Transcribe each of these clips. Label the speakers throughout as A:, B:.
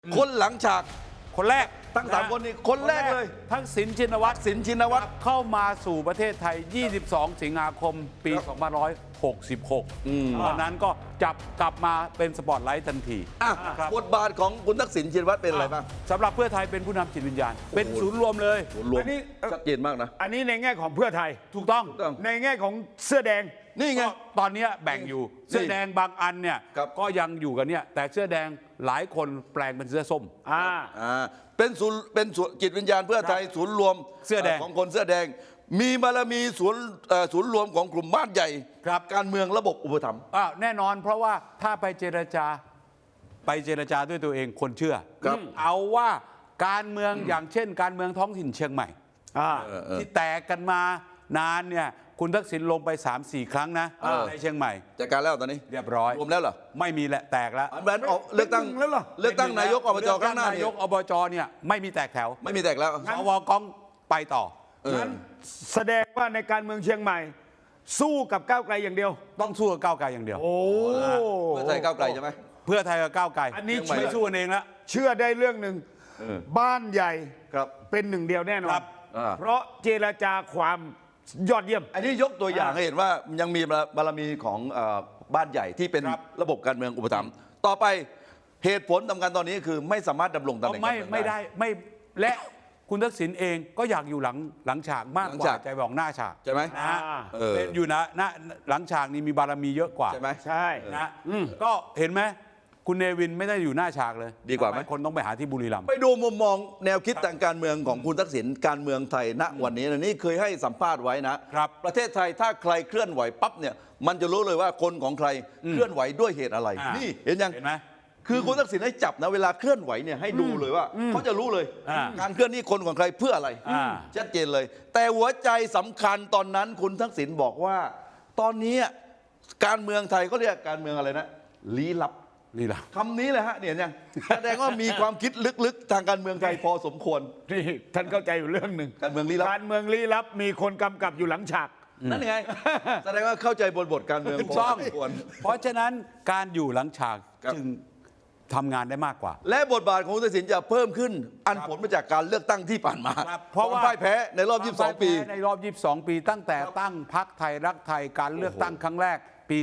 A: คนหลังฉาก
B: คนแรก
A: ทั้งสามคนนี้คนแรกเลย
B: ทักษิณชินวัตร
A: สินชินวัตร
B: เข้ามาสู่ประเทศไทย 22 สิงหาคม ปี 2566 ตอนนั้นก็จับกลับมาเป็นสปอตไลท์ทันที
A: อ่ะ
B: ครับ
A: บทบาทของคุณทักษิณชินวัตรเป็นอะไรบ้าง
B: สำหรับเพื่อไทยเป็นผู้นำจิตวิญญาณ เป็นศูนย์รวมเลย
A: รวม
C: อันนี้
A: ชัดเจนมากนะ
C: อันนี้ในแง่ของเพื่อไทย
B: ถูกต้อง
A: ถูกต้อง
C: ในแง่ของเสื้อแดง
A: นี่ไง
B: ก็ตอนเนี้ยแบ่งอยู่เสื้อแดงบางอันเนี่ย
A: ครับ
B: ก็ยังอยู่กันเนี่ยแต่เสื้อแดงหลายคนแปลงเป็นเสื้อส้ม
A: เป็นศูนย์จิตวิญญาณเพื่อไทยศูนย์รวม
B: เสื้อแดง
A: ของคนเสื้อแดง มีบารมีศูนย์รวมของกลุ่มบ้านใหญ่
B: ครับ
A: การเมืองระบบอุปถัมภ์
B: แน่นอนเพราะว่าถ้าไปเจรจาด้วยตัวเองคนเชื่อ
A: ครับ
B: เอาว่าการเมืองอย่างเช่น การเมืองท้องถิ่นเชียงใหม่ ที่แตกกันมานานเนี่ยคุณทักษิณลงไป 3-4 ครั้งนะในเชียงใหม่
A: จัดการแล้วตอนนี้
B: เรียบร้อย
A: รวมแล้วเหรอ
B: ไม่มีแหละแตกแล้ว
A: อันนั้นออกเลือกตั้ง
C: แล้วเหรอ
A: เลือกตั้งนายกอบจข้างหน้า
B: นา
A: เนี่ย
B: ยกอบจเนี่ยไม่มีแตกแถว
A: ไม่มีแตกแล้ว
B: สวกองไปต่อ
C: งั้นแสดงว่าในการเมืองเชียงใหม่ สู้กับก้าวไกลอย่างเดียว
B: ต้องสู้กับก้าวไกลอย่างเดียว
C: โอ้
A: เพื่อไทยก้าวไกลใช่ไหม
B: เพื่อไทยกับก้าวไกล
C: อันนี้
B: ไม่สู้กันเองแล้ว
C: เชื่อได้เรื่องหนึ่งบ้านใหญ่
A: ครับ
C: เป็นหนึ่งเดียวแน่นอ
B: ครั
C: น
B: บ
C: เพราะเจรจาความยอดเยี่ยม
A: อันนี้ยกตัวอย่างให้เห็นว่ายังมีบารมีของบ้านใหญ่ที่เป็น
B: ครับ
A: ระบบการเมืองอุปถัมภ์ต่อไปเหตุผลสำคัญตอนนี้คือไม่สามารถดำรงตำแหน่งการเมือง
B: ไม่ได้ไม่และคุณทักษิณเองก็อยากอยู่หลังฉากมาก
A: หลั
B: ก
A: ง
B: ว่า
A: ฉาก
B: ใจบอกหน้าฉาก
A: ใช่ไหม
B: นะฮะ
A: เออ
B: เป็นอยู่นะหลังฉากนี่มีบารมีเยอะกว่า
A: ใช่ไหม
C: ใช่
B: นะก็เห็นไหมคุณเนวินไม่ได้อยู่หน้าฉากเลย
A: ดีกว่าไหม
B: ทำคนต้องไปหาที่บุรีรัมย์
A: ไปดูมุมมองแนวคิดทางการเมืองของคุณทักษิณการเมืองไทยณวันนี้นะนี่เคยให้สัมภาษณ์ไว้นะครับ ประเทศไทยถ้าใครเคลื่อนไหวปั๊บเนี่ยมันจะรู้เลยว่าคนของใครเคลื่อนไหวด้วยเหตุอะไร นี่เห็นยัง
B: เห็นไหม
A: คือคุณทักษิณให้จับนะเวลาเคลื่อนไหวเนี่ยให้ดูเลยว่าเขาจะรู้เลย การเคลื่อนนี่คนของใครเพื่ออะไร ชัดเจนเลย แต่หัวใจสำคัญตอนนั้นคุณทักษิณบอกว่า ตอนนี้การเมืองไทยเขาเรียกการเมืองอะไรนะลี้ลับ
B: นี่แหละ
A: คำนี้เลยฮะเนี่ยยังแสดงว่ามีความคิดลึกๆ ทางการเมืองไทยพอสมควร
C: นี่ท่านเข้าใจอยู่เรื่องหนึ่ง
A: การเมืองลี้ลับ
C: การเมืองลี้ลับมีคนกำกับอยู่หลังฉาก
A: นั่นไง แสดงว่าเข้าใจบทการเมือง
B: ถูก
A: พอ
B: ต้อง
A: สมควร
B: เพราะฉะนั้นการอยู่หลังฉาก
A: ครับ
B: จึงทำงานได้มากกว่า
A: และบทบาทของคุณทักษิณจะเพิ่มขึ้น อันผลมาจากการเลือกตั้งที่ผ่านมา
B: ครับเพราะว่า
A: ควมพ่ายแพ้ในรอบ 22 ปี
B: ในรอบ 22 ปีตั้งแต่ตั้งพรรคไทยรักไทยการเลือกตั้งครั้งแรกปี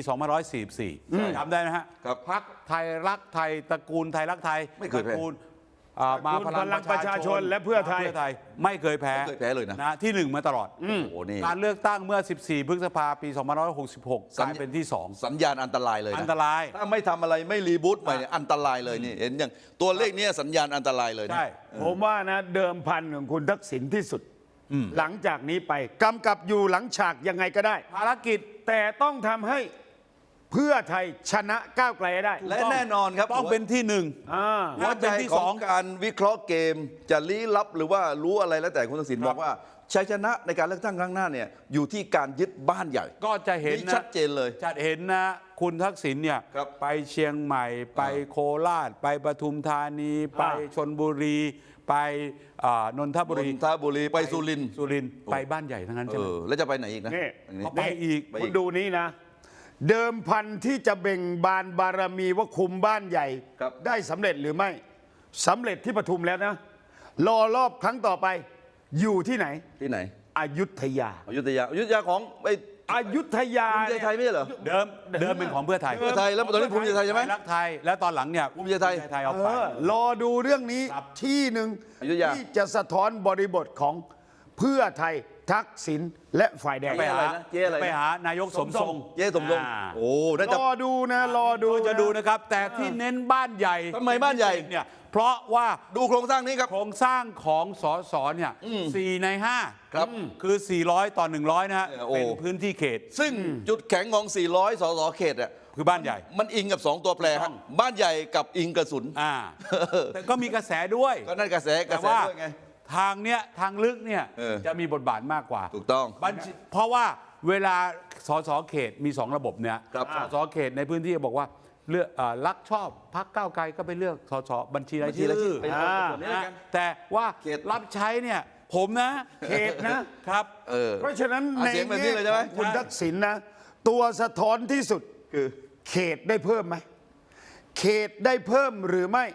B: 2544จำได้นะฮะ
A: ครับ
B: พรรคไทยรักไทยตระกูลไทยรักไทย
A: ไม่เคยแพ้
B: ตระกูลมาพลัง
C: ประชาชนและเพื่อไทย
B: ไม่เคยแพ้
A: ไม่เคยแพ้เลยนะ
B: ที่หนึ่งมาตลอด
A: โอ้โหนี่
B: การเลือกตั้งเมื่อ 14 พฤษภาปี 2566 กลายเป็นที่
A: สัญญาณอันตรายเลย
B: 2
A: นะ
B: อันตราย
A: ถ้าไม่ทำอะไรไม่รีบูตใหม่เนี่ยอันตรายเลยนี่เห็นอย่างตัวเลขเนี้สัญญาณอันตรายเลยนะ
B: ใช่
C: ผมว่านะเดิมพันของคุณทักษิณที่สุด หลังจากนี้ไปกำกับอยู่หลังฉากยังไงก็ได้
B: ภารกิจ
C: แต่ต้องทำให้เพื่อไทยชนะก้าวไกลให้ได้
A: และแน่นอนครับ
B: ต้องเป็นที่หนึ่ง
A: หัวใจ
B: เป็นที่
A: ข
B: ส
A: อ
B: อง ง
A: การวิเคราะห์เกมจะลี้ลับหรือว่ารู้อะไรแล้วแต่คุณทักษิณบอกว่าชัยชนะในการเลือกตั้งครั้งหน้าเนี่ยอยู่ที่การยึดบ้านใหญ่
B: ก็จะเห็น
A: นี่
B: นะ
A: ชัดเจนเลย
B: จะเห็นนะคุณทักษิณเนี่ย
A: ครับ
B: ไปเชียงใหม่ ไปโคราช ไปปทุมธานี ไปชนบุรี ไปนนทบุรี
A: นนทบุรีไปสุรินทร์
B: สุรินทร์ไปบ้านใหญ่ทั้งนั้นใช่ไหม
A: แล้วจะไปไหนอีกนะ
C: นี่
A: อันนี้
B: ก็ไปอีก
A: ไป
C: คุณดูนี้นะ เดิมพันที่จะเบ่งบานบารมีว่าคุมบ้านใหญ่
A: ครับ
C: ได้สำเร็จหรือไม่สำเร็จที่ปทุมแล้วนะ รอรอบครั้งต่อไป อยู่ที่ไหน
A: ที่ไหน
C: อยุธยา
A: อยุธยาของไอ้
C: อยุธยา
A: ภูมิใจไทยไม่ใช่เหรอ
B: เดิมเป็นของเพื่อไทย
A: เพื่อไทยแล้วตอนนี้ภูมิใจไทยใช่ไหม
B: รักไทยแล้วตอนหลังเนี่ย
A: ภูมิใจไทย
B: เอาไป
C: รอดูเรื่องนี้
B: ครับ
C: ที่หนึ่ง
A: อยุธยา
C: ที่จะสะท้อนบริบทของเพื่อไทยทักษิณและฝ่ายแดง
B: ไปหา
A: เจ๊อะไรนะ
B: ไปหานายกสมทรง
A: เจ๊สมทรง
B: อ่า
A: โอ้น่าจะ
C: รอดูนะรอดู
B: จะดูนะครับ แต่ที่เน้นบ้านใหญ่
A: ทำไมบ้านใหญ่
B: เนี่ยเพราะว่า
A: ดูโครงสร้างนี้ครับ
B: โครงสร้างของสสเนี่ย4 ใน 5
A: ครับ
B: คือ 400 ต่อ 100 นะฮะ
A: โอ้
B: เป็นพื้นที่เขต
A: ซึ่งจุดแข็งของ 400 สสเขตอ่ะ
B: คือบ้านใหญ่
A: มันอิงกับ 2 ตัวแปร
B: ถูกต้
A: ฮะ
B: อง
A: บ้านใหญ่กับอิงกระสุน
B: แต่ก็มีกระแสด้วย
A: ก็นั่นกระแส
B: แต่
A: ด้วย
B: ว่า
A: ไง
B: ทางเนี้ยทางลึกเนี่ย
A: เออ
B: จะมีบทบาทมากกว่า
A: ถูกต้อง
B: เพราะว่าเวลาสสเขตมี 2 ระบบเนี่ย
A: ครับ
B: สสเขตในพื้นที่บอกว่าเลือกรักชอบพรรคก้าวไกลก็ไปเลือกสสบัญชีรายชื่
A: บัญชีรายชื่
B: อ
A: อไปเอาส่วนนี้แล้วกัน
B: แต่ว่า
A: เขต
B: รับใช้เนี่ยผมนะ
C: เขตนะ
B: ครับ
C: เพราะฉะนั้น
A: อ่ะ
C: ใน
A: เสียงแบบนี้
C: แง่
A: เลยใช่ไหม
C: ของคุณทักษิณนะ ตัวสะท้อนที่สุด
A: คือ
C: เขตได้เพิ่มไหม เขตได้เพิ่มหรือไม่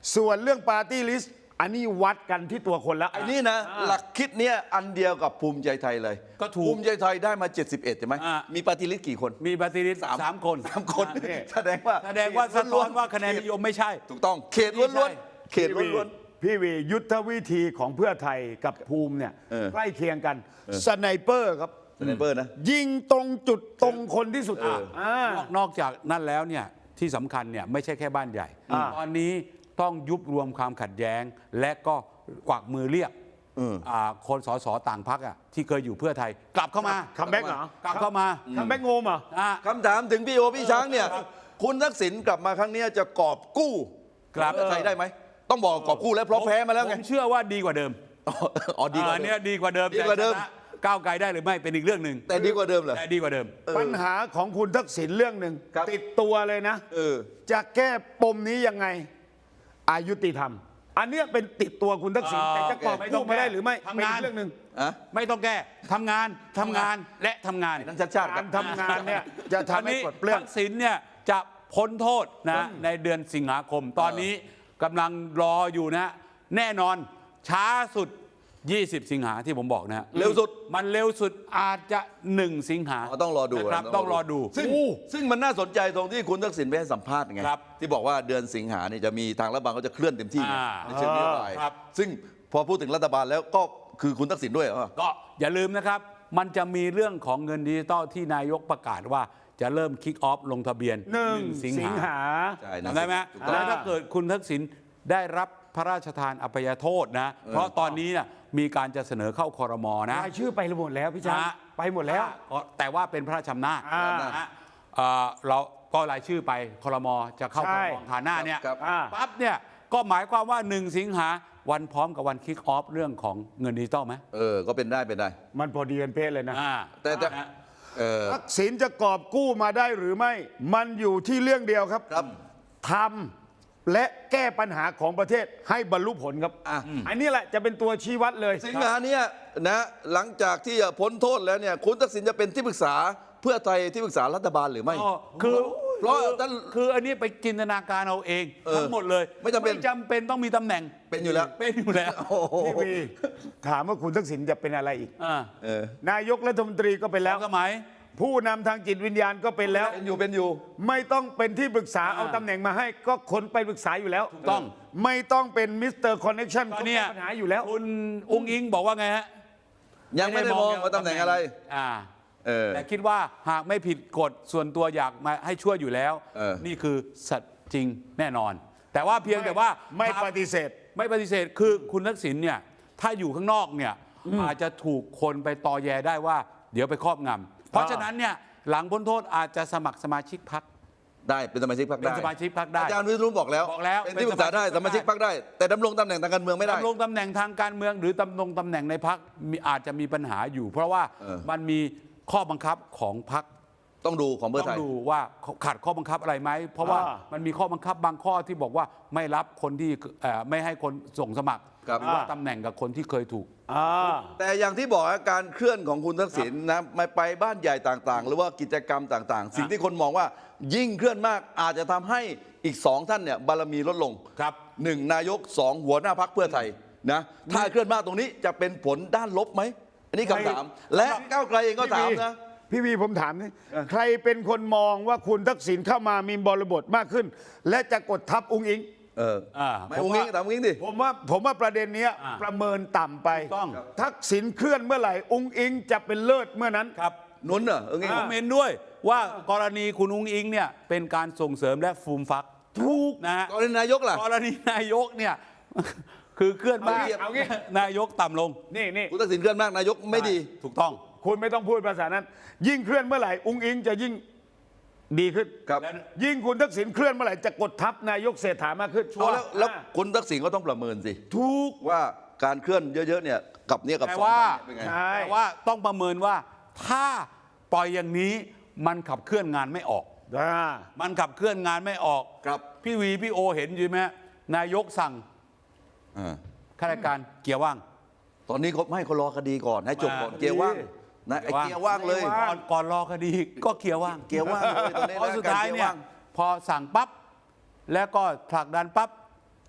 C: ส่วนเรื่องปาร์ตี้ลิสต์อันนี้วัดกันที่ตัวคนแล้ว
A: ไอ้นี่นะหลักคิดเนี้ยอันเดียวกับภูมิใจไทยเลย
B: ก็ถูก
A: ภูมิใจไทยได้มา 71 ใช่ไหม
B: อ่า
A: มีปฏิริษีกี่คน
B: มีปฏิริษีสามคน
A: 3 คน
C: นี่
A: แสดงว่า
B: สะท้อนว่าคะแนนนิยมไม่ใช่
A: ถูกต้องเขตล้วนๆเขตล้วน
C: พี่วียุทธวิธีของเพื่อไทยกับภูมิเนี่ย
A: เออ
C: ใกล้เคียงกันสไนเปอร์ครับ
A: ๆสไนเปอร์นะ
C: ยิงตรงจุดตรงคนที่สุด
B: นอกจากนั้นแล้วเนี่ยที่สำคัญเนี่ยไม่ใช่แค่บ้านใหญ่ ตอนนี้ต้องยุบรวมความขัดแย้ง และก็กวักมือเรียกคนสสต่างพรรคที่เคยอยู่เพื่อไทยกลับเข้ามา
C: คัมแบ็กเหรอก
B: ลับเข้ามา
C: คัมแบ็กโงมเหรอ
B: อ่ะ
A: คำถามถึงพี่โอพี่ช้างเนี่ย คุณทักษิณกลับมาครั้งเนี้ยจะกอบกู้
B: กลับ
A: เพื่อไทยได้ไหม ต้องบอกกอบกู้แล้วเพราะแพ้มาแล้วไง
B: ผมเชื่อว่าดีกว่าเดิม
A: อ๋อดีกว่าเดิม
B: เนี่ยดีกว่าเดิม
A: ดีกว่าเดิม
B: แต่ชนะก้าวไกลได้หรือไม่เป็นอีกเรื่องหนึ่ง
A: แต่ดีกว่าเดิมเหรอ
B: แต่ดีกว่าเดิม
C: ปัญหาของคุณทักษิณเรื่องหนึ่ง
A: ครับ
C: ติดตัวเลยนะ
A: เออ
C: จะแก้ปมนี้ยังไงอายุติธรรม อันเนี้ยเป็นติดตัวคุณทักษิณแต่จะกอบ
B: ไม่ต้
C: กู้
B: อง
C: ไม่ได้หรือไม่
B: ทำ
C: เป็น
B: งาน
C: อีกเรื่องหนึ่ง
A: อะ
B: ไม่ต้องแก้ทำงานและทำงาน
A: นั่นชัดชาติค
C: กา
A: รั
C: ร
A: บ
C: ทำงานเนี่ยจะทำให้ปลดเปลื้อง
B: ทักษิณเนี่ยจะพ้นโทษนะในเดือนสิงหาคม ตอนนี้กำลังรออยู่นะ แน่นอนช้าสุด 20 สิงหาที่ผมบอกนะฮะ
A: เร็วสุด
B: มันเร็วสุดอาจจะ 1 สิงหา
A: อ๋อต้องรอดู
B: นะครับต้องรอดู
A: ซึ่งมันน่าสนใจตรงที่คุณทักษิณไปให้สัมภาษณ์ไง
B: ครับ
A: ที่บอกว่าเดือนสิงหาเนี่ยจะมีทางรัฐบาลเขาจะเคลื่อนเต็มที่ไง
B: อ่า
A: ในเชิงนโยบาย
B: ครับ
A: ซึ่งพอพูดถึงรัฐบาลแล้วก็คือคุณทักษิณด้วยเหรอ
B: ก็อย่าลืมนะครับ มันจะมีเรื่องของเงินดิจิตอลที่นายกประกาศว่าจะเริ่มคิกออฟลงทะเบียน
C: 1
B: สิง
C: สิง
B: หา
C: หา
A: ใช่นะ
B: จำได้ไหม
A: ถูกต้อง
B: แล้วถ้าเกิดคุณทักษิณได้รับพระราชทานอภัยโทษนะ เพราะตอนนี้เนี่ยมีการจะเสนอเข้าคอรมอนะ
C: รายชื่อไปหมดแล้วพี่ช้าง
B: นะ
C: ไปหมดแล้ว
B: แต่ว่าเป็นพระราชอำนาจ นะฮะเราก็รายชื่อไปคอรมอจะเข้าคอรมอฐานหน้าเนี่ย
A: ครับ
B: ปั๊บเนี่ยก็หมายความว่า 1 สิงหาวันพร้อมกับวันคิกออฟเรื่องของเงินดิจิตอลไหม
A: ก็เป็นได้เป็นได้
C: มันพอดีกันเป๊ะเลยนะ
A: แต่
B: นะ
C: ทักษิณจะกอบกู้มาได้หรือไม่ มันอยู่ที่เรื่องเดียวครับ
A: ครับ
C: ทำและแก้ปัญหาของประเทศให้บรรลุผลครับ อันนี้แหละจะเป็นตัวชี้วัดเลย
A: สิงหาเนี่ยนะหลังจากที่พ้นโทษแล้วเนี่ยคุณทักษิณจะเป็นที่ปรึกษาเพื่อไทยที่ปรึกษารัฐบาลหรือไม่
B: คือ
A: เพราะท่าน
B: คืออันนี้ไปจินตนาการเอาเองทั้งหมดเลย
A: ไม่จำเป็น
B: ต้องมีตำแหน่ง
A: เป็นอยู่แล้ว
B: เป็นอยู่แล้ว
A: โอ้โห
C: พี่วีถามว่าคุณทักษิณจะเป็นอะไรอีก
B: อ่า
A: เออน
C: ายกรัฐมนตรีก็เป็นแล้ว
B: สมัย
C: ผู้นำทางจิตวิญญาณก็เป็นแล้ว
A: เป็นอยู่
C: ไม่ต้องเป็นที่ปรึกษาเอาตำแหน่งมาให้ก็คนไปปรึกษาอยู่แล้ว
B: ถูกต้อง
C: ไม่ต้องเป็นมิสเตอร์คอนเนคชั่น
B: ตอ
C: ก็
B: น
C: แก้
B: เนี้ย
C: ปัญหาอยู่แล้ว
B: คุณอุ้งอิงบอกว่าไงฮะ
A: ยังไม่ได้มองว่าตำแหน่งอะไร
B: อ่า
A: เออ
B: แต่คิดว่าหากไม่ผิดกฎส่วนตัวอยากมาให้ช่วยอยู่แล้ว นี่คือสัตย์จริงแน่นอน แต่ว่าเพียงแต่ว่า
C: ไม่ปฏิเสธ
B: ไม่ปฏิเสธคือคุณทักษิณเนี่ยถ้าอยู่ข้างนอกเนี่ยอาจจะถูกคนไปตอแยได้ว่า เดี๋ยวไปครอบงำเพราะฉะนั้นเนี่ยหลังพ้นโทษอาจจะสมัครสมาชิกพรรค
A: ได้เป็นสมาชิกพรรค
B: เป็น
A: ได้
B: สมาชิกพรรคได้
A: อาจารย์วิษณุบอกแล้ว
B: บอกแล้ว
A: เป็นที่ปรึกษาได้
B: เป็น
A: ส
B: ส
A: มา
B: มาชิ
A: ชิก
B: ก
A: พรรคได้ แต่ดำรงตำแหน่งทางการเมืองไม่ได้
B: ดำรงตำแหน่งทางการเมืองหรือดำรงตำแหน่งในพรรคอาจจะมีปัญหาอยู่ เพราะว่ามันมีข้อบังคับของพรรค
A: ต้องดูของเพื่อ
B: ต้อ
A: ไท
B: ง
A: ย
B: ดูว่าขัดข้อบังคับอะไรไหมเพราะว่า
C: อ่า
B: มันมีข้อบังคับบางข้อที่บอกว่าไม่รับคนที่ไม่ให้คนส่งสมัคร
A: ครับ
B: หรือว่าตำแหน่งกับคนที่เคยถูก
A: แต่อย่างที่บอกการเคลื่อนของคุณทักษิณนะไม่ไปบ้านใหญ่ต่างๆ หรือว่ากิจกรรมต่างๆ สิ่งที่คนมองว่ายิ่งเคลื่อนมากอาจจะทำให้อีก 2 ท่านเนี่ยบารมีลดลง
B: ครับ
A: 1 นายก 2 หัวหน้าพักเพื่อไทยนะถ้าเคลื่อนมากตรงนี้จะเป็นผลด้านลบไหมอันนี้คำถาม และก้าวไกลเองก็ถามนะ
C: พี่วีผมถามนี่ใครเป็นคนมองว่าคุณทักษิณเข้ามามีบริบทมากขึ้น และจะกดทับองค์อิง
A: ไม่อุ้งอิงถามอุ้งอิงดิ
C: ผมว่าประเด็นเนี้ย
B: อ่า
C: ประเมินต่ำไป
B: ถูกต้อง
C: ทักษิณเคลื่อนเมื่อไหร่องค์อิงจะเป็นเลิศเมื่อนั้น
B: ครับ
A: นุ้นเหรออุ้งอิง
B: ผมเห็นด้วยว่ากรณีคุณอุ้งอิงเนี่ยเป็นการส่งเสริมและฟูมฟักถูกนะฮะ
A: กรณีนายกล่ะ
B: กรณีนายกเนี่ย คือเคลื่อนมาก
C: เอางี้
B: นายกต่ำลง
C: นี่
A: คุณทักษิณเคลื่อนมากนายกไม่ดี
B: ถูกต้อง
C: คุณไม่ต้องพูดภาษานั้น ยิ่งเคลื่อนเมื่อไหร่องค์อิงจะยิ่งดีขึ้น
A: ครับ
C: ยิ่งคุณทักษิณเคลื่อนเมื่อไหร่จะกดทับนายกเศรษฐามากขึ้น
A: แล้วคุณทักษิณก็ต้องประเมินสิ
C: ถูก
A: ว่าการเคลื่อนเยอะๆเนี่ยกับเนี่ยกับ
B: แต่
A: สอง
B: ว่า
A: ท่านเนี่ยเป็นไง
C: ใช่
B: แต่ว่าต้องประเมินว่าถ้าปล่อยอย่างนี้มันขับเคลื่อนงานไม่ออก มันขับเคลื่อนงานไม่ออก
A: ครับ
B: พี่วีพี่โอเห็นอยู่ไหมฮะนายกสั่ง
A: อ่า
B: ข้าราชการเกียร์ว่าง
A: ตอนนี้เขาไม่เขารอคดีก่อนให้จบก่อน
B: อ่า
A: เกียร์ว่างนะไอ้เกียร์ว่างเลย
B: ก่อนรอคดีก็เกียร์ว่าง
A: เกียร์ว่างเลยตอนนี้
B: เพราะสุดท้าย
A: กรกี
B: เนี่ย
A: ว่าง
B: พอสั่งปั๊บแล้วก็ผลักดันปั๊บ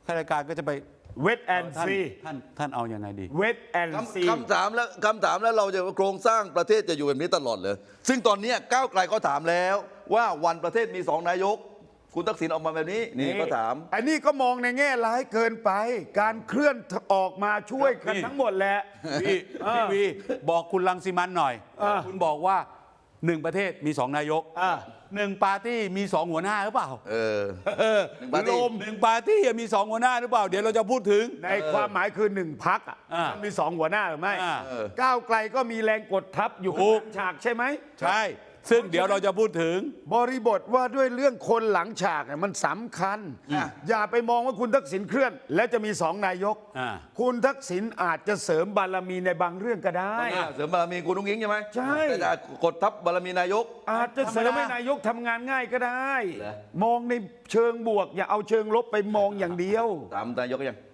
B: ข้าราชการก็จะไป
C: เวทแอนซี
B: ท่านเอายังไงดี
C: เวทแอนซี
A: คำถามแล้วเราจะโครงสร้างประเทศจะอยู่แบบนี้ตลอดเลยซึ่งตอนนี้ก้าวไกลก็ถามแล้วว่าวันประเทศมี2 นายกคุณทักษิณออกมาแบบนี้นี่ก็ถาม
C: อันนี้ก็มองในแง่ร้ายเกินไป การเคลื่อนออกมาช่วยกันทั้งหมดแหละ
B: พี่วีบอกคุณรังสิมันต์หน่อย คุณบอกว่า1 ประเทศมี2 นายก 1 ปาร์ตี้มี2 หัวหน้าหรือเปล่า
A: ปาร์ตี้
B: 1 ปาร์ตี้มี2 หัวหน้าหรือเปล่า เดี๋ยวเราจะพูดถึง
C: ในความหมายคือ1 พรรคมันมี2 หัวหน้าหรือไม่ ก้าวไกลก็มีแรงกดทับอยู่
B: ถูก
C: ข้างฉากใช่ไหม
B: ใช่ ซึ่งเดี๋ยวเราจะพูดถึง
C: บริบทว่าด้วยเรื่องคนหลังฉากเนี่ยมันสำคัญ อย่าไปมองว่าคุณทักษิณเคลื่อน แล้วจะมี2 นายก คุณทักษิณอาจจะเสริมบารมีในบางเรื่องก็ได้
A: เสริมบารมีคุณนุ้งอิงใช่ไหม
C: ใช่
A: แต่จะกดทับบารมีนายก
C: อาจจะเสริมให้นายกทำงานง่ายก็ได้
A: เหรอ
C: มองในเชิงบวก อย่าเอาเชิงลบไปมองอย่างเดียว
A: ถามนายกยัง